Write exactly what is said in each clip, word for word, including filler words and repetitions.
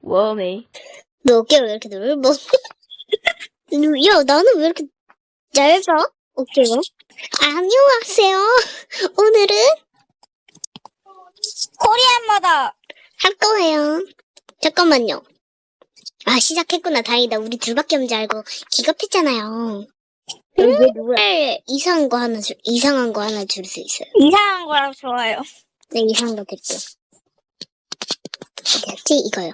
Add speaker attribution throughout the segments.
Speaker 1: 웜해.
Speaker 2: 너 어깨를 왜 이렇게 넓어? 야, 나는 왜 이렇게 얇아? 어깨가? 안녕하세요. 오늘은
Speaker 3: 코리안마다
Speaker 2: 할 거예요. 잠깐만요. 아, 시작했구나. 다행이다. 우리 둘밖에 없는 줄 알고 기겁했잖아요. 얘 누구야? 이상한 거 하나 줄, 이상한 거 하나 줄 수 있어요.
Speaker 3: 이상한 거라고 좋아요.
Speaker 2: 네, 이상한 거 드릴게요. 어디였지? 이거요.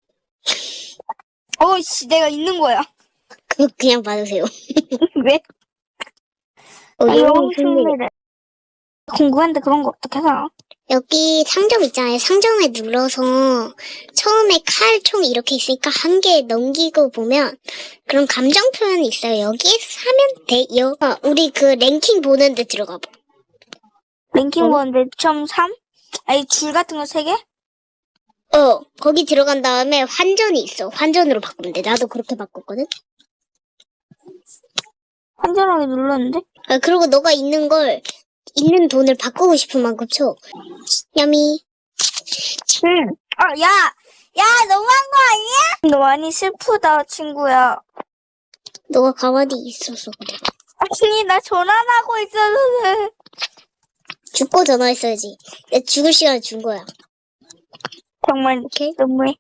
Speaker 3: 어이씨, 내가 있는 거야.
Speaker 2: 그거 그냥 받으세요.
Speaker 3: 왜?
Speaker 2: 어,
Speaker 3: 아,
Speaker 2: 이거
Speaker 3: 영웅
Speaker 2: 승리.
Speaker 3: 승리를. 궁금한데 그런 거 어떻게 하나?
Speaker 2: 여기 상점 있잖아요. 상점에 눌러서 처음에 칼총 이렇게 있으니까 한 개 넘기고 보면 그런 감정 표현이 있어요. 여기에서 사면 돼요. 어, 우리 그 랭킹 보는 데 들어가 봐.
Speaker 3: 랭킹
Speaker 2: 어?
Speaker 3: 원 몇 점 삼? 아니, 줄 같은 거 세 개?
Speaker 2: 어, 거기 들어간 다음에 환전이 있어. 환전으로 바꾸면 돼. 나도 그렇게 바꿨거든.
Speaker 3: 환전하게 눌렀는데?
Speaker 2: 아, 그리고 너가 있는 걸 있는 돈을 바꾸고 싶은 만큼 쳐. 야미.
Speaker 3: 응. 아, 야! 야, 너무한 거 아니야? 너 많이 슬프다, 친구야.
Speaker 2: 너가 가만히 있어서 그래.
Speaker 3: 아니, 나 전화하고 있었는데.
Speaker 2: 죽고 전화했어야지. 내가 죽을 시간에 준 거야.
Speaker 3: 정말
Speaker 2: 오케이?
Speaker 3: 너무해.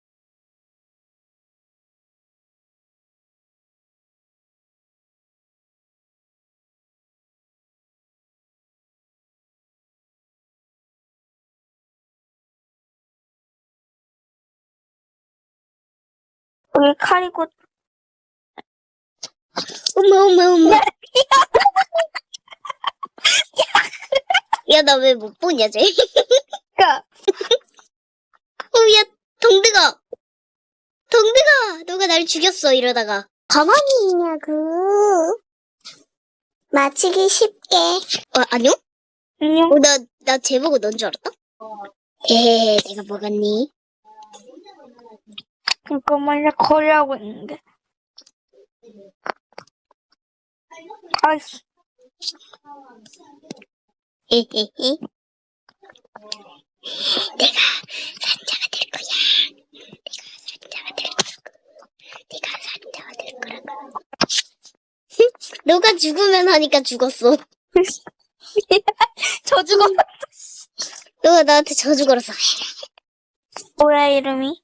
Speaker 3: 여기 칼이고.
Speaker 2: 엄마, 엄마, 엄마. 야, 나 왜 못 보냐, 쟤?
Speaker 3: 야,
Speaker 2: 어, 야, 동드가! 동드가! 너가 날 죽였어, 이러다가. 가만히 있냐고. 맞히기 쉽게. 어, 아니요?
Speaker 3: 안녕.
Speaker 2: 어, 나, 나 쟤보고 넌 줄 알았다? 헤헤헤, 내가 먹었니?
Speaker 3: 잠깐만, 나 거리하고 있는데. 아이씨.
Speaker 2: 헤헤헤. 내가 산자가 될 거야. 내가 산자가 될 거라고. 내가 산자가 될 거라고. 너가 죽으면 하니까 죽었어.
Speaker 3: 저 죽었어.
Speaker 2: 너가 나한테 저주 걸었어.
Speaker 3: 뭐야, 이름이?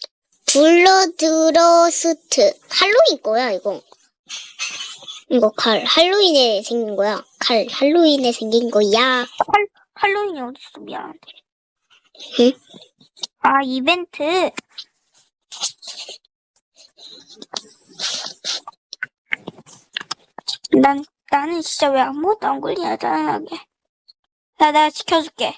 Speaker 2: 블러드러스트. 할로윈 거야, 이거. 이거 칼. 할로윈에 생긴 거야. 칼. 할로윈에 생긴 거야.
Speaker 3: 할, 할로윈이 어딨어? 미안한데.
Speaker 2: 응?
Speaker 3: 아, 이벤트. 난, 나는 진짜 왜 아무것도 안 걸리냐, 짜증나게. 나, 내가 지켜줄게.